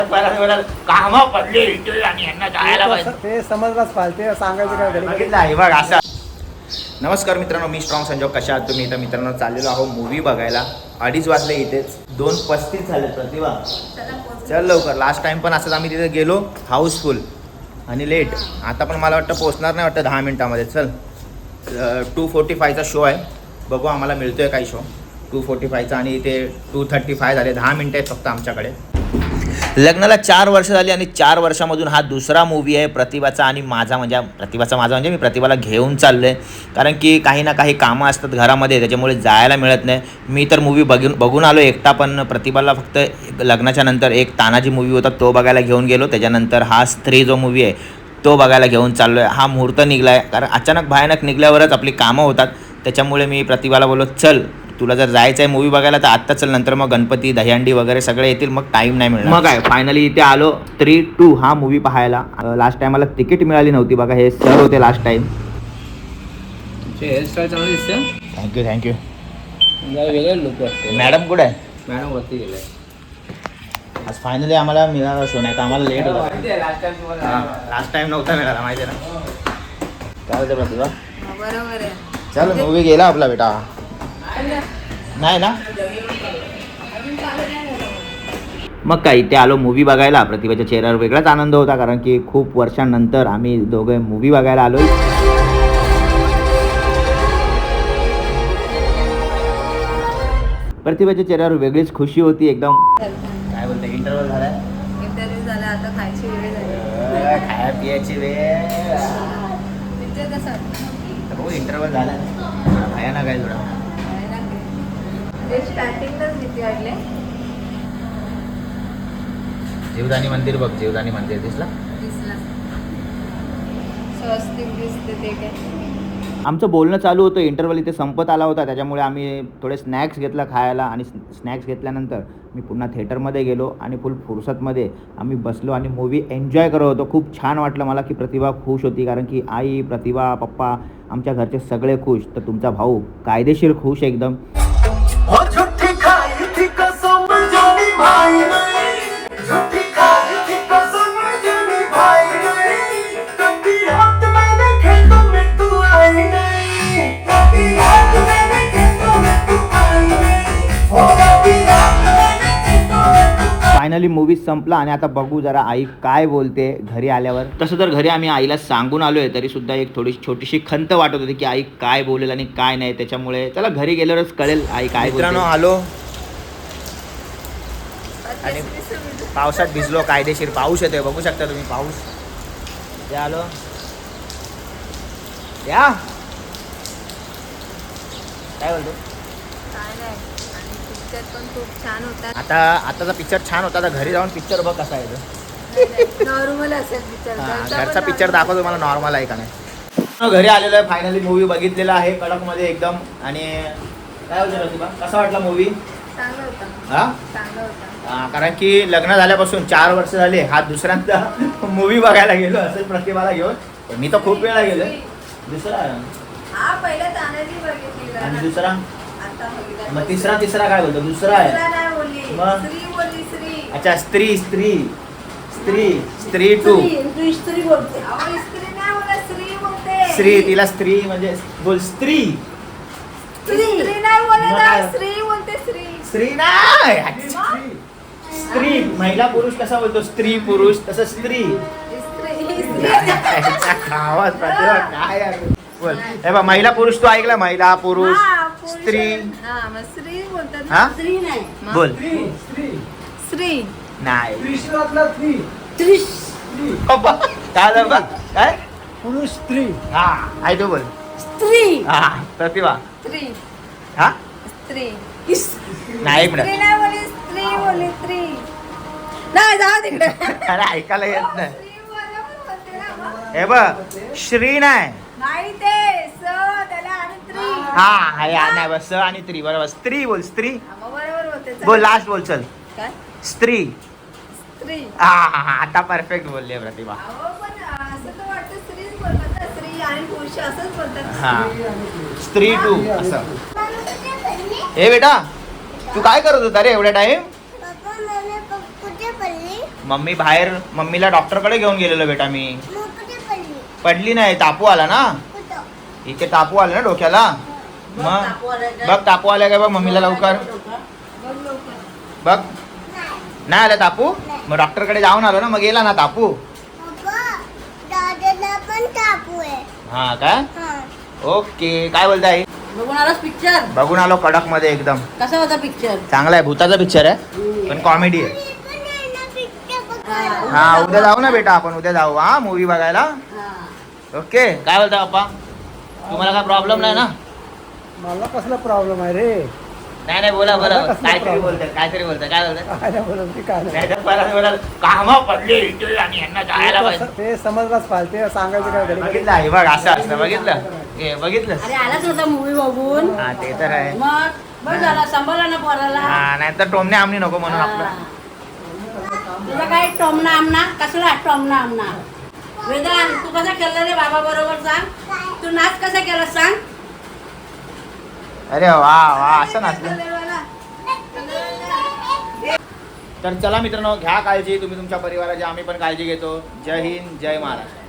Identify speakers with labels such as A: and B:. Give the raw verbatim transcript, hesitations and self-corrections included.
A: काम पडले आणि यांना जायला पाहिजे
B: ते समजलाच पाहिजे सांगायचं काय घरी
A: बघितलं आहे बघ असं. नमस्कार मित्रांनो, मी स्ट्रॉंग संजोग. कशा आहात तुम्ही? तर मित्रांनो चाललेलो आहो मूवी बघायला. अडीच वाजले इथेच, दोन पस्तीस झाले. प्रतिभा चल लवकर. लास्ट टाइम पण असंच आम्ही तिथे गेलो, हाऊसफुल आणि लेट. आता पण मला वाटतं पोहोचणार नाही वाटतं दहा मिनटामध्ये. चल टू फोर्टी फायचा शो आहे, बघू आम्हाला मिळतोय काही शो. टू फोर्टी फायचा आणि इथे टू थर्टी फाय झाले. दहा मिनटं आहेत फक्त आमच्याकडे. लग्नाला चार वर्ष झाली आणि चार वर्षामधून हा दुसरा मूवी आहे प्रतिभाचा आणि माझा. म्हणजे प्रतिभाचा माझा म्हणजे मी प्रतिभाला घेऊन चाललो आहे, कारण की काही ना काही कामं असतात घरामध्ये, त्याच्यामुळे जायला मिळत नाही. मी तर मूवी बघून बघून आलो एकटा, पण प्रतिभाला फक्त लग्नाच्या नंतर एक तानाजी मूवी होता तो बघायला घेऊन गेलो. त्याच्यानंतर हा स्त्री जो मूवी आहे तो बघायला घेऊन चाललो आहे. हा मुहूर्त निघला आहे, कारण अचानक भयानक निघल्यावरच आपली कामं होतात. त्याच्यामुळे मी प्रतिभाला बोललो, चल तुला जर जायचं आहे मूवी बघायला तर आत्ता चल, नंतर मग गणपती दहीहंडी वगैरे सगळे येतील, मग टाईम नाही मिळणार. मग काय फायनली इथे आलो थ्री टू हा मूवी पाहायला. लास्ट टाइम मला तिकीट मिळाली नव्हती बघा, हे सर होते लास्ट टाइम.
C: हेअरस्टाईल चांगली दिसते.
A: Thank you thank you.
C: वेगळे लुक वाटते.
A: मॅडम कुठे आहे?
C: मॅडम वरती गेले.
A: आज फायनली आम्हाला मिळाला शो, नाही तर आम्हाला लेट होता. लास्ट टाइम नव्हता मिळाला माहिती आहे ना. काय होतं प्रतिभा?
D: बरोबर आहे.
A: चल मूवी गेला आपला बेटा. नाही ना. मग काय इथे आलो मूवी बघायला. प्रतिभाच्या चेहऱ्यावर वेगळाच आनंद होता, कारण की खूप वर्षांनंतर आम्ही दोघे मूवी बघायला आलो. प्रतिभाच्या चेहऱ्यावर वेगळीच खुशी होती एकदम. काय बोलते? इंटरव्हल झालाय.
D: इंटरव्ह्यू झाला, आता खायची वेळ झाली.
A: खाया पियाची वेळ.
D: पिक्चर कसा वाटतं?
A: हो इंटरव्हल झाला. भयानक आहे थोडा.
D: ते स्टार्टिंगलाच भीती वाटले.
A: जीवदानी मंदिर बघ, जीवदानी मंदिर दिसला.
D: दिसला स्वस्तिक दिसते ते काय.
A: आमचं बोलणं चालू होतं, इंटरव्हल इथे संपत आला होता, त्याच्यामुळे आम्ही थोडे स्नॅक्स घेतलं खायला. आणि स्नॅक्स घेतल्यानंतर मी पुन्हा थिएटरमध्ये गेलो आणि फुल फुरसतमध्ये आम्ही बसलो आणि मूवी एन्जॉय करत होतो. खूप छान वाटलं मला की प्रतिभा खुश होती, कारण की आई, प्रतिभा, पप्पा, आमच्या घरचे सगळे खुश. तर तुमचा भाऊ कायदेशीर खुश एकदम. फायनली मूवी संपला आणि आता बघू जरा आई काय बोलते घरी आल्यावर. तसं तर घरी आम्ही आईला सांगून आलोय, तरी सुद्धा एक थोडी छोटीशी खंत वाटत होती की आई काय बोलेल आणि काय नाही. त्याच्यामुळे चला घरी गेल्यावरच कळेल आई काय बोलते. मित्रांनो आलो आणि पावसात भिजलो कायदेशीर. पाऊस येतोय बघू शकता तुम्ही, पाऊस. ते आलो या काय बोलतो.
D: काय नाही. आणि पिक्चर पण खूप छान होता.
A: आता आताचा पिक्चर छान होता, आता घरी जाऊन पिक्चर बघ कसा आहे.
D: नॉर्मल असेल पिक्चर.
A: घरचा पिक्चर दाखव तुम्हाला नॉर्मल आहे का नाही. घरी आलेलो आहे फायनली, मूवी बघितलेला आहे कडक मध्ये एकदम. आणि काय होतं प्रतिभा, कसा वाटला मूवी?
D: चांगला होता.
A: हा
D: चांगला होता.
A: कारण की लग्न झाल्यापासून चार वर्ष झाले हा दुसऱ्यांदा मूवी बघायला गेलो असेल प्रतिभाला घेऊन. मी तर खूप वेळा गेलो. दुसरा
D: हा पहिला तानाजी बघितली
A: आणि दुसरा
D: आता बघितला.
A: मग तिसरा तिसरा काय बोलतो? दुसरा आहे.
D: दुसरा नाही बोलली.
A: मग?
D: स्त्री बोलली. स्त्री.
A: अच्छा स्त्री स्त्री स्त्री स्त्री टू.
D: तू स्त्री बोलते. अहो स्त्री नाही बोलत, स्त्री बोलते.
A: स्त्री, तिला स्त्री म्हणजे बोल स्त्री.
D: स्त्री नाही बोलत,
A: मग
D: स्त्री बोलते. स्त्री.
A: स्त्री नाही. स्त्री महिला पुरुष कसा बोलतो? स्त्री पुरुष तसं स्त्री.
D: स्त्री स्त्री.
A: आवाज काय आहे? बोल हे बघ, महिला पुरुष तू ऐकला? महिला पुरुष
D: हा, पुरुष.
A: स्त्री.
D: हा मग स्त्री बोलतात
A: हा?
D: ना. स्त्री नाही. मग?
A: बोल
D: स्त्री
A: नाही.
B: त्रिशूळातला स्त्री.
D: त्रिश.
A: पप्पा काय झालं बा? काय
B: पुरुष स्त्री.
A: हा आई तू बोल.
D: स्त्री.
A: हा प्रतिभा.
D: स्त्री.
A: हा
D: स्त्री.
A: नाही एक
D: स्त्री
A: मिनिट.
D: नाही बोलली, स्त्री बोलली. स्त्री नाही, जाऊ तिकडे.
A: अरे ऐकायला येत नाही.
D: स्त्री बरोबर बोलते ना मग.
A: हे बघ श्री नाही.
D: नाही ते स त्याला आणि स्त्री.
A: हा हा या नाही बस स आणि त्री बरोबर. स्त्री बोल स्त्री.
D: हा, मग बरोबर बोलते. चल.
A: बोल लास्ट बोल चल.
D: काय?
A: स्त्री.
D: स्त्री.
A: हा हा हा आता परफेक्ट बोलली प्रतिभा.
D: अहो पण असं तर वाटतं स्त्रीच बोलतात ना. स्त्री आणि पुरुष असंच बोलतात.
A: हा स्त्री टू असं. हे बेटा तू काय करत होता रे एवढ्या टाइम? मम्मी बाहेर मम्मीला डॉक्टरकडे घेऊन गेलेलो बेटा मी. पडली नाही, तापू आला ना इथे, तापू आला ना डोक्याला. मग बघ तापू आला काय बघ मम्मीला लवकर
D: बघ लवकर.
A: बघ. नाही आला तापू, मग डॉक्टरकडे जाऊन आलो ना, मग गेला ना तापू.
E: दादाला पण तापू आहे.
A: हा काय
E: हा.
A: ओके. काय बोलताय?
F: बघून आलास पिक्चर?
A: बघून आलो कडक मध्ये एकदम.
F: कसा होता पिक्चर?
A: चांगला आहे, भूताचा पिक्चर आहे पण कॉमेडी आहे.
E: मी पण येणार picture बघायला.
A: हा उद्या जाऊ ना बेटा, आपण उद्या जाऊ हा मूवी बघायला. ओके. काय बोलता पप्पा, तुम्हाला काय प्रॉब्लेम नाही ना?
B: मला कसला प्रॉब्लेम आहे रे?
A: नाही नाही बोला बोला,
B: मला कसला
A: काहीतरी
B: problem?
A: बोलताय काहीतरी बोलताय काय बोलताय?
B: काय नाही बोलत मी, काय नाही.
A: नाही तर परत बोलाल, कामं पडली इथे आणि यांना जायला पाहिजे.
B: ते- ते समजलाच पाहिजे, सांगायचं काय घडी घडी.
A: बघितलं आहे बघ, असं असतं बघितलं हे बघितलं.
F: अरे आलाच होता मूवी बघून.
A: हा ते तर आहे.
F: मग बघ झाला, सांभाळला ना पोराला.
A: हा नाही तर टोमने आमनी नको म्हणून आपलं.
F: हा. तुझा काय टोमना आमना कसला टोमना आमना? वेदांत तू कसा केला रे बाबा बरोबर सांग? तू नाच कसा केला सांग?
A: अरे वा वा, असं नसलं. तर चला मित्रांनो, घ्या काळजी तुम्ही तुमच्या परिवाराची, आम्ही पण काळजी घेतो. जय हिंद, जय महाराष्ट्र.